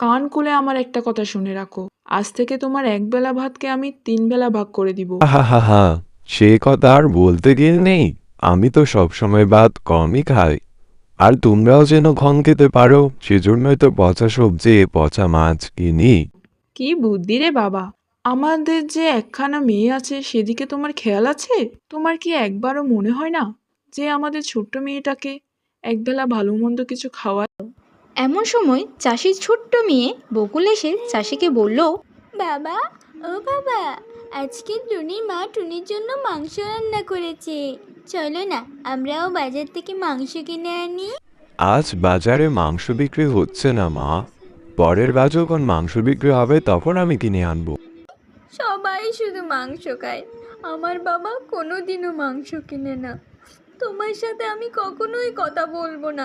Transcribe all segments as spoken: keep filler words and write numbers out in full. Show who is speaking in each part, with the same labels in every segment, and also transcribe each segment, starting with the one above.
Speaker 1: কান খুলে আমার একটা কথা শুনে রাখো, আজ থেকে তোমার এক বেলা ভাতকে আমি তিন বেলা ভাগ করে দিব।
Speaker 2: হা হা হা, সে কথা আর বলতে গিয়ে নেই। আমি তো সবসময় ভাত কমই খাই, আর তোমরাও যেন কম খেতে পারো সেজন্যই তো পচা সবজি পচা মাছ কিনি।
Speaker 1: কি বুদ্ধি রে বাবা! আমাদের যে একখানা মেয়ে আছে সেদিকে তোমার খেয়াল আছে? তোমার কি একবারও মনে হয় না যে আমাদের ছোট্ট মেয়েটাকে একবেলা ভালো মন্দ কিছু খাওয়া।
Speaker 3: এমন সময় চাষির ছোট্ট মেয়ে বকুল এসে চাষিকে বলল,
Speaker 4: বাবা, ও বাবা, আজকে টুনির মা টুনির জন্য মাংস রান্না করেছে। চলো না, আমরাও বাজার থেকে মাংস কিনে আনি।
Speaker 2: আজ বাজারে মাংস বিক্রি হচ্ছে না মা, পরের বার যখন মাংস বিক্রি হবে তখন আমি কিনে আনবো।
Speaker 4: সবাই শুধু মাংস খায়, আমার বাবা কোনোদিনও মাংস কিনে না। তোমার সাথে আমি কখনোই কথা বলবো না।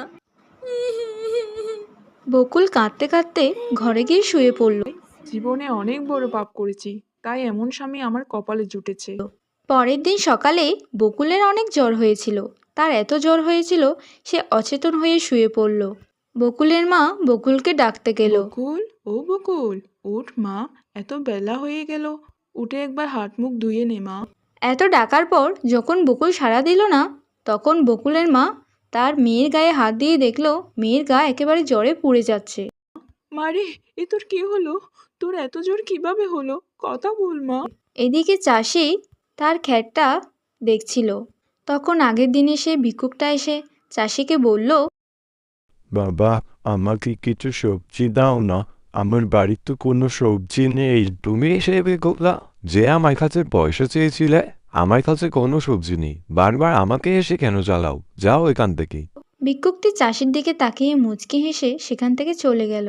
Speaker 3: বকুল কাঁদতে কাঁদতে ঘরে গিয়ে শুয়ে পড়ল।
Speaker 1: জীবনে অনেক বড় পাপ করেছি, তাই এমন স্বামী আমার কপালে জুটেছে।
Speaker 3: পরের দিন সকালে বকুলের অনেক জ্বর হয়েছিল। তার এত জ্বর হয়েছিল সে অচেতন হয়ে শুয়ে পড়ল। বকুলের মা বকুলকে ডাকতে গেল।
Speaker 1: বকুল, ও বকুল, উঠ মা, এত বেলা হয়ে গেল, উঠে একবার হাত মুখ ধুয়ে নে মা।
Speaker 3: এত ডাকার পর যখন বকুল সাড়া দিল না, তখন বকুলের মা তার মেয়ের গায়ে হাত দিয়ে দেখল মেয়ের গা একেবারে জ্বরে পুড়ে যাচ্ছে।
Speaker 1: মারে, এ তোর কি হলো? তোর এত জোর কিভাবে হলো? কথা বল মা।
Speaker 3: এদিকে চাষি তার ক্ষেতটা দেখছিল। তখন আগের দিনে সে ভিক্ষুকটা এসে চাষিকে বলল,
Speaker 2: বাবা, আমাকে কিছু সবজি দাও না, আমার বাড়ির তো কোনো সবজি নেই। তুমি এসে বেগোলা যে আমার কাছে পয়সা চেয়েছিলে, আমার কাছে কোনো সবজি নেই, বারবার আমাকে এসে কেন জ্বালাও? যাও এখান থেকে।
Speaker 3: ভিক্ষুকটি চাষির দিকে তাকিয়ে মুচকি হেসে সেখান থেকে চলে গেল।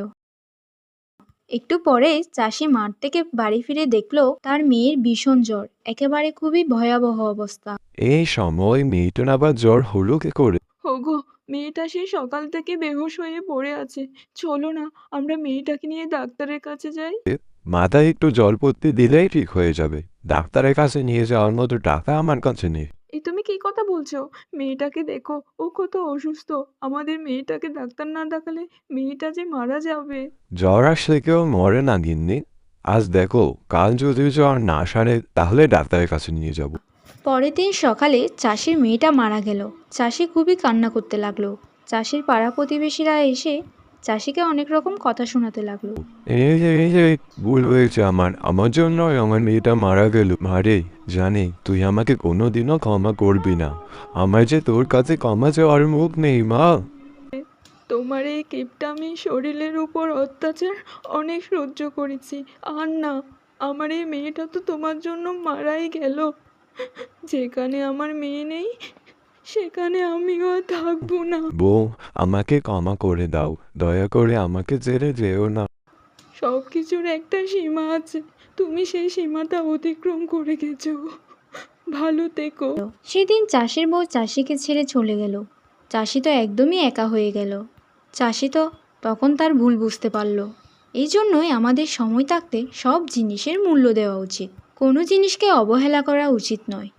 Speaker 3: একটু পরে চাষি মাঠ থেকে বাড়ি ফিরে দেখল তার মেয়ের ভীষণ জ্বর, একেবারে খুবই ভয়াবহ অবস্থা।
Speaker 2: এই সময় মেয়েটার আবার জ্বর হলো কি করে?
Speaker 1: ওগো, মেয়েটা সেই সকাল থেকে বেহুশ হয়ে পড়ে আছে। চলো না, আমরা মেয়েটাকে নিয়ে ডাক্তারের কাছে যাই।
Speaker 2: মাথায় একটু জলপট্টি দিলেই ঠিক হয়ে যাবে। ডাক্তারের কাছে নিয়ে যাওয়ার মতো টাকা আমার কাছে নেই।
Speaker 1: এই তুমি কি কথা বলছো? মেয়েটাকে দেখো, ও কত অসুস্থ। আমাদের মেয়েটাকে ডাক্তার না দেখালে মেয়েটা যে মারা যাবে।
Speaker 2: জ্বর আসলে কেউ মরে না গিন্নি। আজ দেখো, কাল যদি জ্বর না সারে তাহলে ডাক্তারের কাছে নিয়ে যাব।
Speaker 3: পরের দিন সকালে চাষির মেয়েটা মারা গেল। চাষি খুবই কান্না করতে লাগলো। চাষির পাড়া প্রতিবেশীরা এসে চাষিকে অনেক রকম কথা শোনাতে লাগলো।
Speaker 2: এই যে এই যে ভুল হয়েছে আমার, আমার জন্য আমার মেয়েটা মারা গেল। মারে, জানি তুই আমাকে কোনোদিনও ক্ষমা করবি না। আমার যে তোর কাছে ক্ষমা চাওয়ার মুখ নেই মা।
Speaker 1: তোমার এই কিপটামি শরীরের উপর অত্যাচার অনেক সহ্য করেছি, আর না, আমার এই মেয়েটা তো তোমার জন্য মারাই গেল। যেখানে আমার মেয়ে নেই সেখানে আমিও আর থাকবো না।
Speaker 2: বউ, আমাকে ক্ষমা করে দাও, দয়া করে আমাকে ছেড়ে যেও না।
Speaker 1: সব কিছুর একটা সীমা আছে, তুমি সেই সীমাটা অতিক্রম করে গেছো। ভালো থেকো।
Speaker 3: সেদিন চাষির বউ চাষিকে ছেড়ে চলে গেল। চাষি তো একদমই একা হয়ে গেল। চাষি তো তখন তার ভুল বুঝতে পারল। এই জন্যই আমাদের সময় থাকতে সব জিনিসের মূল্য দেওয়া উচিত। কোনো জিনিসকে অবহেলা করা উচিত নয়।